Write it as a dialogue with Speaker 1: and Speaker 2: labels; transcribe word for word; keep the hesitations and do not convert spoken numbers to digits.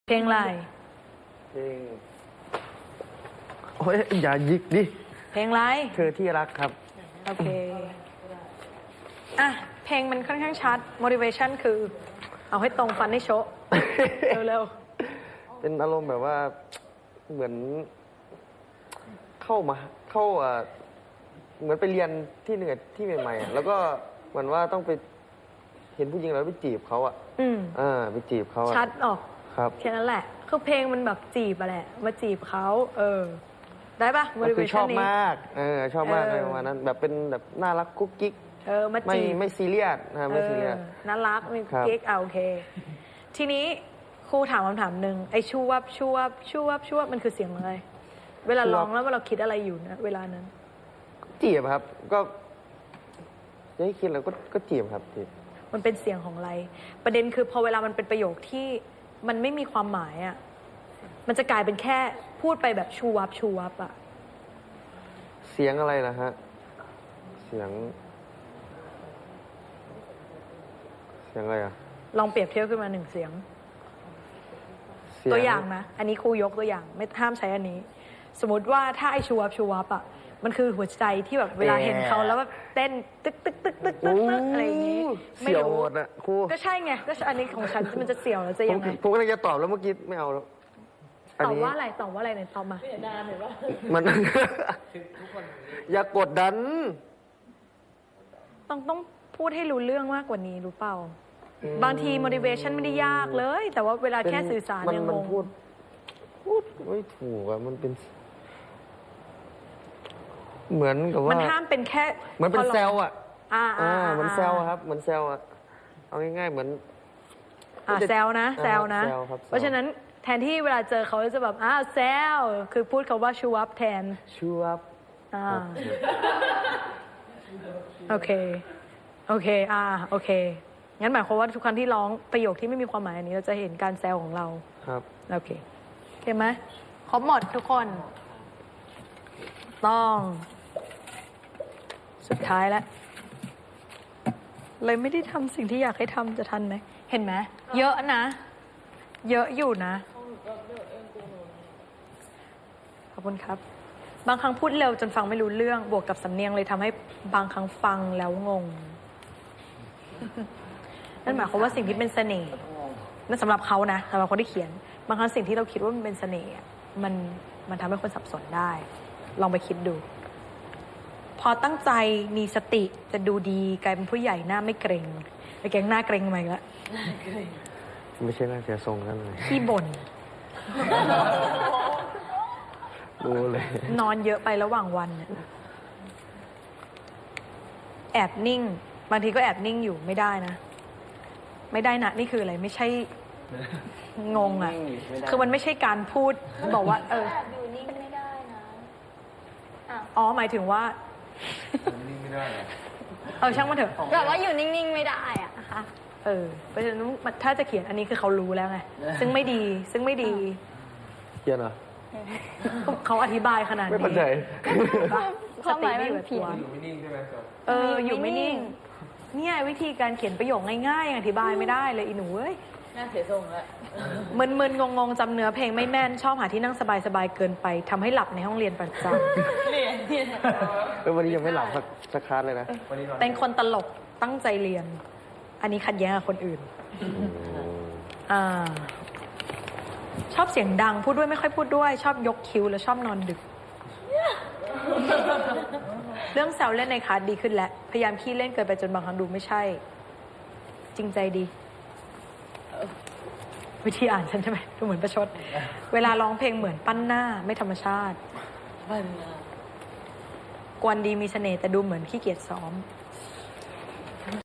Speaker 1: เพลงอะไร
Speaker 2: เพลงโอ้ยอย่ายิกดิ
Speaker 1: เพลงอะไร
Speaker 2: เธอที่รักครับ
Speaker 1: โอเค อ่ะ เพลงมันค่อนข้างชัด motivation คือ เอาให้ตรงฟันให้โชะ เร็ว
Speaker 2: เป็นอารมณ์แบบว่าเหมือนเข้ามาเข้าอ่าเหมือนไปเรียนที่เหนือที่ใหม่ๆอะแล้วก็เหมือนว่าต้องไปเห็นผู้หญิงแล้วไปจีบเขาอ่ะ
Speaker 1: ๆอืม
Speaker 2: อ่าไปจีบเขาอะ
Speaker 1: ชัดออก
Speaker 2: ครับ
Speaker 1: แค่นั้นแหละ คือเพลงมันแบบจีบอะแหละ มาจีบเขาเออ ได้ปะ
Speaker 2: ก็คือช
Speaker 1: motivation
Speaker 2: อบ
Speaker 1: นี้
Speaker 2: มากเออชอบมาก
Speaker 1: เออ
Speaker 2: เลยประมาณนั้น แบบเป็นแบบน่ารักกุ๊กกิ๊ก
Speaker 1: เออ มา
Speaker 2: ไม่
Speaker 1: จีบ
Speaker 2: ไม่ซีเรียสนะไม่ซีเรียส
Speaker 1: ออน่ารักมี
Speaker 2: ครับ
Speaker 1: กิ๊กอ่ะโอเค ทีนี้ครูถามคำถามหนึ่งไอ้ชูวับชูวับชูวับชูวับมันคือเสียงอะไร เวลาร้องแล้วเราคิดอะไรอยู่นะเวลานั้น
Speaker 2: จีบครับ ก็จะให้คิดแล้วก็ก็จีบครับจีบ
Speaker 1: มันเป็นเสียงของอะไร ประเด็นคือพอเวลามันเป็นประโยคที่มันไม่มีความหมายอ่ะ มันจะกลายเป็นแค่พูดไปแบบชูวับชูวับอ่ะ
Speaker 2: เสียงอะไรนะฮะ เสียง เสียงอะไรอ่ะ
Speaker 1: ลองเปรียบเทียบขึ้นมาหนึ่งเสียง
Speaker 2: เสียง
Speaker 1: ตัวอย่างนะ อันนี้ครูยกตัวอย่างไม่ห้ามใช้อันนี้ สมมติว่าถ้าไอชูวับชูวับอ่ะ มันคือหัวใจที่แบบเวลาเห็นเขาแล้วแบบเต้นตึกตึกตึกตึกตึกตึกอะไรอย่างงี้
Speaker 2: เสียวหมดอ่ะครู
Speaker 1: ก็ใช่ไง ก็อันนี้ของฉันมันจะเสียวแล้วจะ
Speaker 2: ผม
Speaker 1: ยังไง
Speaker 2: ผมก็เลยจะตอบแล้วเมื่อกี้ไม่เอาแล้ว
Speaker 1: ตอบว่าอะไรตอบว่าอะไรไหนตอบมา
Speaker 2: มัน อย่ากดดัน
Speaker 1: ต้องต้องพูดให้รู้เรื่องมากกว่านี้รู้เปล่า
Speaker 2: อืม
Speaker 1: บางที motivation ไม่ได้ยากเลย แต่ว่าเวลาแค่สื่อสาร
Speaker 2: มัน
Speaker 1: เนี่ย
Speaker 2: มัน
Speaker 1: งง
Speaker 2: พูด พูดไม่ถูกอ่ะ มันเป็น เหมือนกับว่า
Speaker 1: มันห้ามเป็นแค่
Speaker 2: เหมือนเป็นเซลล์อ่ะ
Speaker 1: อ่า
Speaker 2: อ่า
Speaker 1: อ่า
Speaker 2: เหมือนเซลล์อะครับ เหมือนเซลล์อ่ะ เอาง่ายๆเหมือน
Speaker 1: อ่าเซลนะเซลนะ
Speaker 2: เซลครับ
Speaker 1: เพราะฉะนั้นแทนที่เวลาเจอเขาจะแบบอ้าวเซลคือพูดคาว่าชูวับแทน
Speaker 2: ชูอัพ
Speaker 1: อ่าโอเค โอเค อ่า โอเค งั้นหมายความว่าทุกครั้งที่ร้องประโยคที่ไม่มีความหมายอันนี้เราจะเห็นการแซวของเรา
Speaker 2: ครับ
Speaker 1: โอเคโอเคไหมครบหมดทุกคน ต้อง สุดท้ายแล้ว เลยไม่ได้ทำสิ่งที่อยากให้ทำจะทันไหม เห็นไหม เยอะนะ เยอะอยู่นะ ขอบคุณครับ บางครั้งพูดเร็วจนฟังไม่รู้เรื่อง บวกกับสำเนียงเลยทำให้บางครั้งฟังแล้วงง นั่นหมายความว่าสิ่งที่เป็นเสน่ห์นั่นสำหรับเขานะสำหรับคนที่เขียน บางครั้งสิ่งที่เราคิดว่ามันเป็นเสน่ห์อะมันมันทำให้คนสับสนได้ ลองไปคิดดู พอตั้งใจมีสติจะดูดีกลายเป็นผู้ใหญ่หน้าไม่เกรงไอ้แกงหน้าเกรงมาอีกแล้ว
Speaker 2: ไม่ใช่น่าเสียทรงกันเลย
Speaker 1: ขี้บ่น
Speaker 2: รู้เลย
Speaker 1: นอนเยอะไประหว่างวันเนี่ยแอบนิ่ง บางทีก็แอบนิ่งอยู่ไม่ได้นะ ไม่ได้นะนี่คืออะไรไม่ใช่งงอ่ะ คือมันไม่ใช่การพูดบอกว่า เออ
Speaker 3: แอบอยู่นิ่งไม่ได้นะอ่ะ
Speaker 1: อ๋อหมายถึงว่าเออช่างมันเถอะ
Speaker 3: แบบว่าอยู่นิ่งๆไม่ได้อะนะคะ
Speaker 1: เออเพราะฉะนั้นถ้าจะเขียนอันนี้คือเขารู้แล้วไงซึ่งไม่ดี ซึ่งไม่ดี
Speaker 2: เขียนเหรอ
Speaker 1: เขาอธิบายขนาดนี้
Speaker 2: ไม่เข้าใจ
Speaker 3: ความหมายมันผิด
Speaker 1: เอออยู่ไม่นิ่ง เนี่ยวิธีการเขียนประโยคง่ายๆอธิบายไม่ได้เลยอีหนูเอ้ย
Speaker 4: น่าเสียทรงแล้ว
Speaker 1: มึนๆงงๆจำเนื้อเพลงไม่แม่นชอบหาที่นั่งสบายๆเกินไปทำให้หลับในห้องเรียนประจ
Speaker 4: เรียนเนี่ย
Speaker 2: เออวันนี้ยังไม่หลับสักสักคลาสเลยนะ
Speaker 1: ำเป็นคนตลกตั้งใจเรียน อันนี้ขัดแย้งกับคนอื่น อ่า ชอบเสียงดังพูดด้วยไม่ค่อยพูดด้วย ชอบยกคิ้วแล้วชอบนอนดึก เรื่องแซวเล่นในคลาสดีขึ้นแล้ว พยายามขี้เล่นเกินไปจนบางครั้งดูไม่ใช่ จริงใจดี วิธีอ่านฉันใช่ไหมดูเหมือนประชด เวลาร้องเพลงเหมือนปั้นหน้าไม่ธรรมชาติ
Speaker 4: มัน
Speaker 1: กวนดีมีเสน่ห์แต่ดูเหมือนขี้เกียจซ้อม